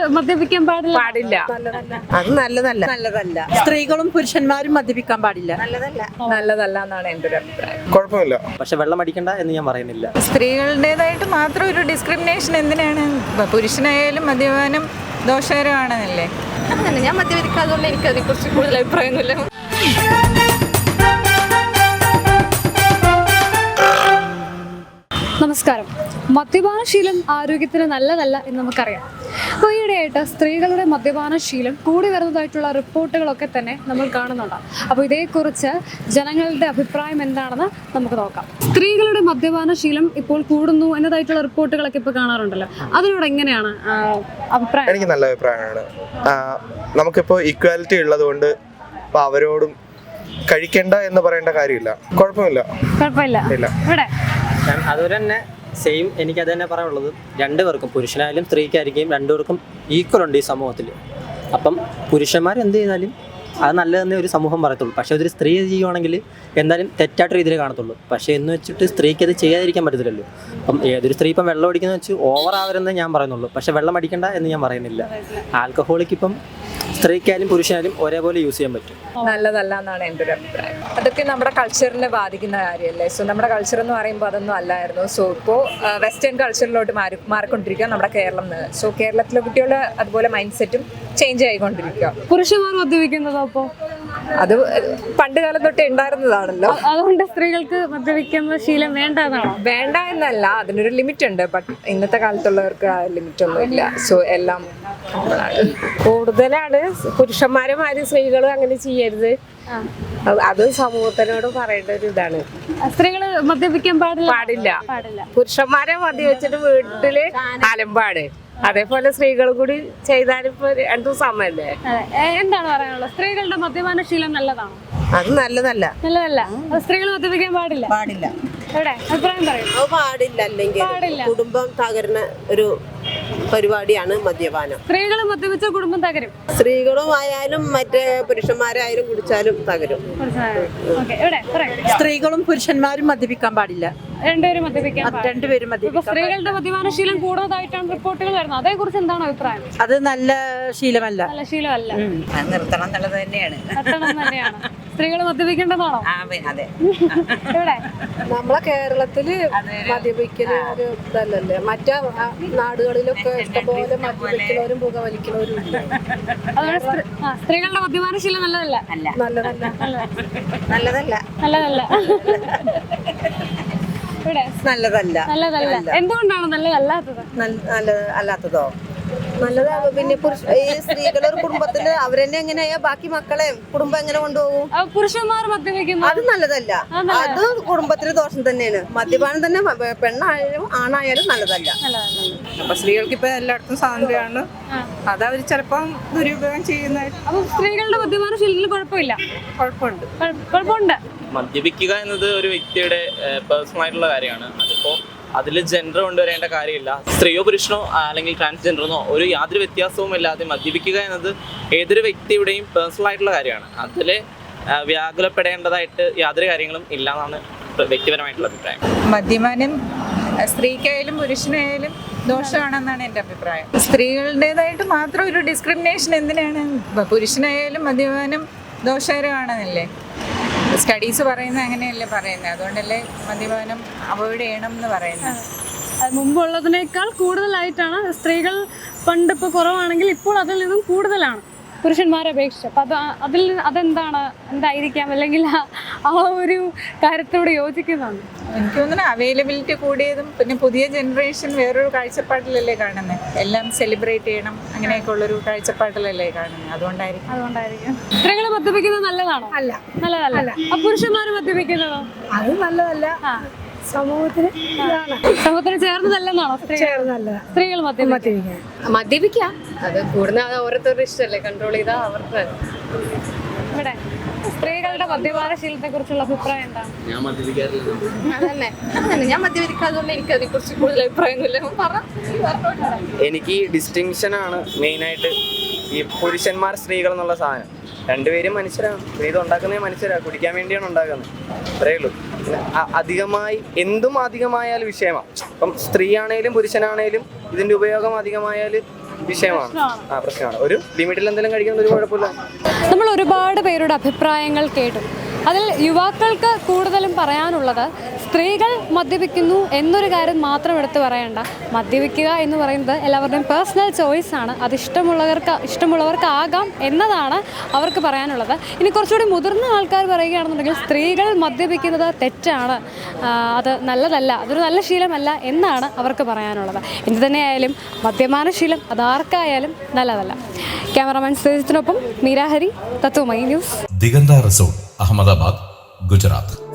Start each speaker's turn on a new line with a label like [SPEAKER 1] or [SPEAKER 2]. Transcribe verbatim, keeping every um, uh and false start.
[SPEAKER 1] മദ്യപിക്കാൻ പാടില്ല
[SPEAKER 2] പാടില്ല
[SPEAKER 3] അത് നല്ലതല്ല
[SPEAKER 4] നല്ലതല്ല. സ്ത്രീകളും പുരുഷന്മാരും മദ്യപിക്കാൻ പാടില്ല.
[SPEAKER 3] നല്ലതല്ല
[SPEAKER 2] നല്ലതല്ല എന്നാണ് എൻ്റെ ഒരു അഭിപ്രായം.
[SPEAKER 5] കുഴപ്പമില്ല.
[SPEAKER 6] പക്ഷെ വെള്ളം അടിക്കണ്ട എന്ന് ഞാൻ പറയുന്നില്ല.
[SPEAKER 7] സ്ത്രീകളുടേതായിട്ട് മാത്രം ഒരു ഡിസ്ക്രിമിനേഷൻ എന്തിനാണ്? പുരുഷനായാലും മദ്യപാനം ദോഷകരമാണെന്നല്ലേ?
[SPEAKER 8] അങ്ങനെ ഞാൻ മദ്യപിക്കാതുകൊണ്ട് എനിക്ക് അതിനെക്കുറിച്ച് കൂടുതൽ അഭിപ്രായമൊന്നുമില്ല.
[SPEAKER 1] നമസ്കാരം. മദ്യപാനശീലം ആരോഗ്യത്തിന് നല്ലതല്ല എന്ന് നമുക്കറിയാം. അപ്പോൾ ഈയിടെയായിട്ട് സ്ത്രീകളുടെ മദ്യപാനശീലം കൂടി വരുന്നതായിട്ടുള്ള റിപ്പോർട്ടുകളൊക്കെ തന്നെ നമ്മൾ കാണുന്നുണ്ട്. അപ്പോൾ ഇതേക്കുറിച്ച് ജനങ്ങളുടെ അഭിപ്രായം എന്താണെന്ന് നമുക്ക് നോക്കാം. സ്ത്രീകളുടെ മദ്യപാനശീലം ഇപ്പോൾ കൂടുന്നു എന്നതായിട്ടുള്ള റിപ്പോർട്ടുകളൊക്കെ ഇപ്പോൾ കാണാറുണ്ടല്ലോ. അതിനോട് എങ്ങനെയാണ് അഭിപ്രായം?
[SPEAKER 5] എനിക്ക് നല്ല അഭിപ്രായമാണ്. നമുക്കിപ്പോൾ ഈക്വാലിറ്റി ഉള്ളത് കൊണ്ട് ഇപ്പോൾ അവരോടും കഴിക്കണ്ട എന്ന് പറയേണ്ട കാര്യമില്ല. കുഴപ്പമില്ല.
[SPEAKER 1] കുഴപ്പമില്ല. ഇവിടെ
[SPEAKER 6] അതുപോലെ തന്നെ സെയിം എനിക്ക് അത് തന്നെ പറയാനുള്ളത്. രണ്ടുപേർക്കും പുരുഷനായാലും സ്ത്രീക്കായിരിക്കും രണ്ടുപേർക്കും ഈക്വൽ ഉണ്ട് ഈ സമൂഹത്തിൽ. അപ്പം പുരുഷന്മാർ എന്ത് ചെയ്താലും അത് നല്ലതെന്നേ ഒരു സമൂഹം പറയത്തുള്ളൂ. പക്ഷേ അതൊരു സ്ത്രീ ചെയ്യുവാണെങ്കിൽ എന്തായാലും തെറ്റായിട്ട് രീതിയിൽ കാണത്തുള്ളൂ. പക്ഷേ എന്ന് വെച്ചിട്ട് സ്ത്രീക്ക് അത് ചെയ്യാതിരിക്കാൻ പറ്റത്തില്ലല്ലോ. അപ്പം ഏതൊരു സ്ത്രീ ഇപ്പം വെള്ളം അടിക്കുന്ന വെച്ച് ഓവർ ആവരുന്നേ ഞാൻ പറയുന്നുള്ളൂ. പക്ഷേ വെള്ളം അടിക്കണ്ട എന്ന് ഞാൻ പറയുന്നില്ല. ആൽക്കഹോളിക്ക് ഇപ്പം സ്ത്രീക്കായാലും പുരുഷനായാലും ഒരേപോലെ യൂസ് ചെയ്യാൻ പറ്റും.
[SPEAKER 2] നല്ലതല്ല എന്നാണ് എൻ്റെ ഒരു അഭിപ്രായം. അതൊക്കെ നമ്മുടെ കൾച്ചറിനെ ബാധിക്കുന്ന കാര്യമല്ലേ. സോ നമ്മുടെ കൾച്ചർ എന്ന് പറയുമ്പോൾ അതൊന്നും അല്ലായിരുന്നു. സോ ഇപ്പോൾ വെസ്റ്റേൺ കൾച്ചറിലോട്ട് മാറി മാറിക്കൊണ്ടിരിക്കുക നമ്മുടെ കേരളം. സോ കേരളത്തിലെ കുട്ടികൾ അതുപോലെ മൈൻഡ് സെറ്റും ചേഞ്ച് ആയിക്കൊണ്ടിരിക്കുക.
[SPEAKER 1] പുരുഷന്മാർ മദ്യപിക്കുന്നതോ അപ്പോൾ
[SPEAKER 2] അത് പണ്ട് കാലം തൊട്ടേ ഉണ്ടായിരുന്നതാണല്ലോ.
[SPEAKER 1] അതുകൊണ്ട് സ്ത്രീകൾക്ക് മദ്യപിക്കുന്ന ശീലം വേണ്ട എന്നാണോ?
[SPEAKER 2] വേണ്ട എന്നല്ല, അതിനൊരു ലിമിറ്റ് ഉണ്ട്. ബട്ട് ഇന്നത്തെ കാലത്തുള്ളവർക്ക് ആ ലിമിറ്റ് ഒന്നും ഇല്ല. സോ എല്ലാം
[SPEAKER 3] കൂടുതലാണ്. പുരുഷന്മാരുമാരും സ്ത്രീകളും അങ്ങനെ ചെയ്യരുത്. അത് സമൂഹത്തിനോട് പറയേണ്ട ഒരു ഇതാണ്.
[SPEAKER 1] സ്ത്രീകൾ മദ്യപിക്കാൻ പാടില്ല
[SPEAKER 2] പാടില്ല
[SPEAKER 1] പാടില്ല
[SPEAKER 3] പുരുഷന്മാരെ മദ്യവെച്ചിട്ട് വീട്ടില് അലമ്പാട്. അതേപോലെ സ്ത്രീകളും കൂടി ചെയ്താലിപ്പോ രണ്ടു സമയല്ലേ.
[SPEAKER 1] എന്താണ് പറയാനുള്ളത്? സ്ത്രീകളുടെ മദ്യപാനശീലം നല്ലതാണോ?
[SPEAKER 3] അത് നല്ലതല്ല.
[SPEAKER 1] നല്ലതല്ല. സ്ത്രീകൾ മദ്യപിക്കാൻ പാടില്ല
[SPEAKER 4] പാടില്ല.
[SPEAKER 1] എവിടെ അഭിപ്രായം പറയും?
[SPEAKER 3] അത് പാടില്ല. അല്ലെങ്കിൽ കുടുംബം തകരുന്ന ഒരു പരിപാടിയാണ് മദ്യപാനം.
[SPEAKER 1] സ്ത്രീകൾ മദ്യപിച്ച കുടുംബം തകരും.
[SPEAKER 3] സ്ത്രീകളും ആയാലും മറ്റേ പുരുഷന്മാരായാലും കുടിച്ചാലും തകരും.
[SPEAKER 4] സ്ത്രീകളും പുരുഷന്മാരും മദ്യപിക്കാൻ പാടില്ല.
[SPEAKER 1] രണ്ടുപേരും മദ്യപിക്കാൻ
[SPEAKER 4] രണ്ടുപേരും
[SPEAKER 1] ഇപ്പൊ
[SPEAKER 4] മദ്യപിക്കാൻ.
[SPEAKER 1] സ്ത്രീകളുടെ മദ്യപാനശീലം കൂടുതലായിട്ടാണ് റിപ്പോർട്ടുകൾ വരുന്നത്. അതേ കുറിച്ച് എന്താണ് അഭിപ്രായം?
[SPEAKER 4] അത് നല്ല ശീലമല്ല.
[SPEAKER 1] നല്ല ശീലമല്ല.
[SPEAKER 4] നിർത്തണം എന്നുള്ളത് തന്നെയാണ്.
[SPEAKER 1] നിർത്തണം തന്നെയാണ്. സ്ത്രീകൾ മദ്യപിക്കേണ്ടതാണോ?
[SPEAKER 4] അതെ.
[SPEAKER 1] എവിടെ
[SPEAKER 3] നമ്മളെ കേരളത്തില് മദ്യപിക്കല് ഒരു ഇതല്ലല്ലേ. മറ്റേ നാടുകളിലൊക്കെ ഇഷ്ടംപോലെ മദ്യപിക്കുന്നവരും പുകവലിക്കുന്നവരും ഇല്ല.
[SPEAKER 1] അതുകൊണ്ട് സ്ത്രീ- ആ, സ്ത്രീകളുടെ മദ്യപാനശീലം നല്ലതല്ല.
[SPEAKER 3] നല്ലതല്ല.
[SPEAKER 4] നല്ലതല്ല.
[SPEAKER 1] നല്ലതല്ല. ഇവിടെ
[SPEAKER 4] നല്ലതല്ല.
[SPEAKER 1] നല്ലതല്ല. എന്തുകൊണ്ടാണ് നല്ലതല്ലാത്തത്?
[SPEAKER 4] നല്ല അല്ലാത്തതോ?
[SPEAKER 3] നല്ലതാണ്. പിന്നെ പുരുഷ ഈ സ്ത്രീകളെ ഒരു കുടുംബത്തില് അവരെന്നെ എങ്ങനെയാ ബാക്കി മക്കളെ കുടുംബം എങ്ങനെ കൊണ്ടുപോകും?
[SPEAKER 1] ആ, പുരുഷന്മാർ മദ്യപിക്കുന്നു.
[SPEAKER 3] അത് നല്ലതല്ല. അത് കുടുംബത്തിന് ദോഷം തന്നെയാണ്. മദ്യപാനം തന്നെ പെണ്ണായാലും ആണായാലും നല്ലതല്ല.
[SPEAKER 7] അപ്പൊ സ്ത്രീകൾക്ക് ഇപ്പൊ എല്ലായിടത്തും സ്വാതന്ത്ര്യമാണ്. അത് അവർ ചിലപ്പം ദുരുപയോഗം ചെയ്യുന്നതായിട്ട്.
[SPEAKER 1] അപ്പൊ സ്ത്രീകളുടെ മദ്യപാനശീലത്തിൽ കുഴപ്പമില്ല.
[SPEAKER 7] കുഴപ്പമുണ്ട്.
[SPEAKER 1] കുഴ- കുഴപ്പമുണ്ട്.
[SPEAKER 9] മദ്യപിക്കുക എന്നത് ഒരു വ്യക്തിയുടെ പേഴ്സണൽ ആയിട്ടുള്ള കാര്യമാണ്. അതിപ്പോൾ അതിൽ ജെൻഡർ കൊണ്ടുവരേണ്ട കാര്യമില്ല. സ്ത്രീയോ പുരുഷനോ അല്ലെങ്കിൽ ട്രാൻസ്ജെൻഡറിനോ ഒരു യാതൊരു വ്യത്യാസവും ഇല്ലാതെ മദ്യപിക്കുക എന്നത് ഏതൊരു വ്യക്തിയുടെയും പേഴ്സണൽ ആയിട്ടുള്ള കാര്യമാണ്. അതിൽ വ്യാകുലപ്പെടേണ്ടതായിട്ട് യാതൊരു കാര്യങ്ങളും ഇല്ല എന്നാണ് വ്യക്തിപരമായിട്ടുള്ള അഭിപ്രായം.
[SPEAKER 7] മദ്യപാനം സ്ത്രീക്കായാലും പുരുഷനായാലും ദോഷമാണെന്നാണ് എൻ്റെ അഭിപ്രായം. സ്ത്രീകളുടേതായിട്ട് മാത്രം ഒരു ഡിസ്ക്രിമിനേഷൻ എന്തിനാണ്? പുരുഷനായാലും മദ്യപാനം ദോഷകരമാണെന്നല്ലേ സ്റ്റഡീസ് പറയുന്നത്. അങ്ങനെയല്ലേ പറയുന്നത്. അതുകൊണ്ടല്ലേ മദ്യപാനം അവോയ്ഡ് ചെയ്യണം എന്ന് പറയുന്നത്.
[SPEAKER 1] അത് മുമ്പുള്ളതിനേക്കാൾ കൂടുതലായിട്ടാണ് സ്ത്രീകൾ. പണ്ട് ഇപ്പോൾ കുറവാണെങ്കിൽ ഇപ്പോൾ അതിൽ നിന്നും കൂടുതലാണ് പുരുഷന്മാരെ അപേക്ഷിച്ച്. അപ്പം അത് അതിൽ അതെന്താണ്, എന്തായിരിക്കാം? അല്ലെങ്കിൽ ആ ഒരു കാര്യത്തോട് യോജിക്കുന്നതാണ്.
[SPEAKER 7] എനിക്ക് തോന്നുന്നു അവൈലബിലിറ്റി കൂടിയതും പിന്നെ പുതിയ ജനറേഷൻ വേറൊരു കാഴ്ചപ്പാടിലല്ലേ കാണുന്നത്. എല്ലാം സെലിബ്രേറ്റ് ചെയ്യണം അങ്ങനെയൊക്കെ ഉള്ളൊരു കാഴ്ചപ്പാടിലല്ലേ കാണുന്നത്. അതുകൊണ്ടായിരിക്കും
[SPEAKER 1] അതുകൊണ്ടായിരിക്കും സ്ത്രീകൾ മദ്യപിക്കുന്നത് നല്ലതാണോ?
[SPEAKER 3] അല്ല.
[SPEAKER 1] നല്ലതല്ല. ആ പുരുഷന്മാർ മദ്യപിക്കുന്നതോ?
[SPEAKER 3] അത് നല്ലതല്ല. സമൂഹത്തിന്
[SPEAKER 1] സമൂഹത്തിന് ചേർന്നതല്ലെന്നാണോ? സ്ത്രീകൾ മദ്യപിക്കുക.
[SPEAKER 8] മദ്യപിക്കാം. അത് കൂടുന്ന ഓരോരുത്തരുടെ ഇഷ്ടമല്ലേ. കൺട്രോൾ ചെയ്താൽ അവർക്ക്.
[SPEAKER 1] ഇവിടെ സ്ത്രീകളുടെ മദ്യപാനശീലത്തെ കുറിച്ചുള്ള അഭിപ്രായം എന്താണ്?
[SPEAKER 9] ഞാൻ മദ്യപിക്കാറില്ല.
[SPEAKER 8] അതന്നെ അങ്ങനെ ഞാൻ മദ്യപിക്കാതുകൊണ്ട് എനിക്ക് അതിനെക്കുറിച്ച് കൂടുതൽ അഭിപ്രായമൊന്നുമില്ല. പറ.
[SPEAKER 6] എനിക്ക് ഡിസ്റ്റിങ്ഷനാണ് മെയിനായിട്ട്. ഈ പുരുഷന്മാർ സ്ത്രീകൾ എന്നുള്ള സാധനം രണ്ടുപേരും മനുഷ്യരാണ്. ഇത് ഉണ്ടാക്കുന്നത് മനുഷ്യരാണ്, കുടിക്കാൻ വേണ്ടിയാണ് ഉണ്ടാക്കുന്നത്. അത്രയേ ഉള്ളൂ. അധികമായി എന്തും അധികമായാൽ വിഷയമാണ്. ഇപ്പം സ്ത്രീ ആണേലും പുരുഷനാണേലും ഇതിൻ്റെ ഉപയോഗം അധികമായാൽ
[SPEAKER 10] വിഷയമാണ്. ആ പ്രശ്നമാണ്. ഒരു ലിമിറ്റിൽ എന്തെങ്കിലും കഴിക്കുന്നത് ഒരു കുഴപ്പമില്ല.
[SPEAKER 1] നമ്മൾ ഒരുപാട് പേരുടെ അഭിപ്രായങ്ങൾ കേട്ടു. അതിൽ യുവാക്കൾക്ക് കൂടുതലും പറയാനുള്ളത് സ്ത്രീകൾ മദ്യപിക്കുന്നു എന്നൊരു കാര്യം മാത്രം എടുത്ത് പറയണ്ട. മദ്യപിക്കുക എന്ന് പറയുന്നത് എല്ലാവരുടെയും പേഴ്സണൽ ചോയ്സ് ആണ്. അത് ഇഷ്ടമുള്ളവർക്ക് ഇഷ്ടമുള്ളവർക്കാകാം എന്നതാണ് അവർക്ക് പറയാനുള്ളത്. ഇനി കുറച്ചുകൂടി മുതിർന്ന ആൾക്കാർ പറയുകയാണെന്നുണ്ടെങ്കിൽ സ്ത്രീകൾ മദ്യപിക്കുന്നത് തെറ്റാണ്, അത് നല്ലതല്ല, അതൊരു നല്ല ശീലമല്ല എന്നാണ് അവർക്ക് പറയാനുള്ളത്. എന്ത് തന്നെയായാലും മദ്യപാനശീലം അതാർക്കായാലും നല്ലതല്ല. ക്യാമറമാൻ സുജിത്തിനൊപ്പം മീരാഹരി, തത്വമയി ന്യൂസ്.
[SPEAKER 11] ദിഗന്ത റിസോർട്ട്, അഹമ്മദാബാദ്, ഗുജറാത്ത്.